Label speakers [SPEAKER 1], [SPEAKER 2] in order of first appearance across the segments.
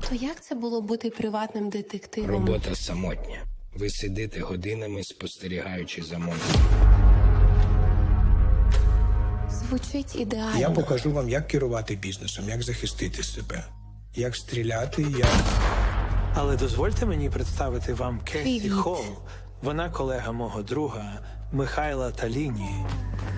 [SPEAKER 1] То як це було бути приватним детективом?
[SPEAKER 2] Робота самотня. Ви сидите годинами, спостерігаючи за монстром.
[SPEAKER 1] Звучить ідеально.
[SPEAKER 3] Я покажу вам, як керувати бізнесом, як захистити себе, як стріляти, як...
[SPEAKER 4] Але дозвольте мені представити вам Кесі
[SPEAKER 1] Привіт.
[SPEAKER 4] Холл. Вона колега мого друга Михайла Таліні.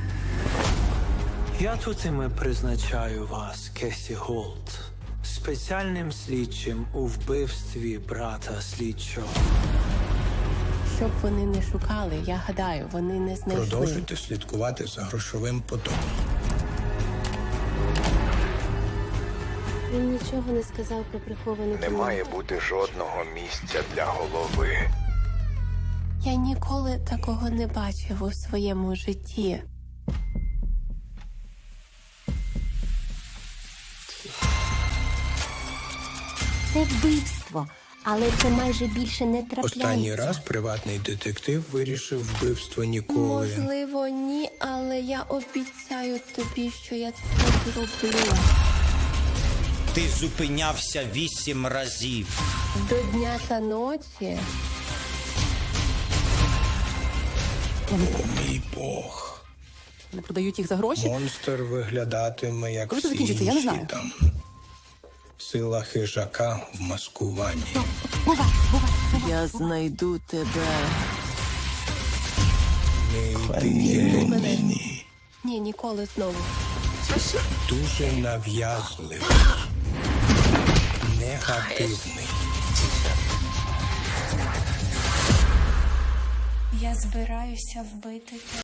[SPEAKER 4] Я тут іми призначаю вас, Кесі Голд, спеціальним слідчим у вбивстві брата слідчого.
[SPEAKER 1] Щоб вони не шукали, я гадаю, вони не знайшли.
[SPEAKER 3] Продовжуйте слідкувати за грошовим потоком.
[SPEAKER 5] Він нічого не сказав про приховану
[SPEAKER 6] Не має бути жодного місця для голови.
[SPEAKER 1] Я ніколи такого не бачив у своєму житті.
[SPEAKER 5] Це вбивство, але це майже більше не трапляється.
[SPEAKER 3] Останній раз приватний детектив вирішив вбивство Ніколи.
[SPEAKER 1] Можливо, ні, але я обіцяю тобі, що я це зроблю.
[SPEAKER 7] Ти зупинявся 8 разів.
[SPEAKER 1] До дня та ночі.
[SPEAKER 3] О, мій Бог.
[SPEAKER 8] Не продають їх за гроші?
[SPEAKER 3] Монстр виглядатиме, як
[SPEAKER 8] Коли це
[SPEAKER 3] всі
[SPEAKER 8] закінчиться, я не
[SPEAKER 3] інші
[SPEAKER 8] знаю.
[SPEAKER 3] там. Сила хижака в маскуванні.
[SPEAKER 8] Я знайду тебе.
[SPEAKER 3] Не йди мені.
[SPEAKER 1] Ні, ніколи знову.
[SPEAKER 3] Дуже нав'язливий. Негативний.
[SPEAKER 9] Я збираюся вбити тебе.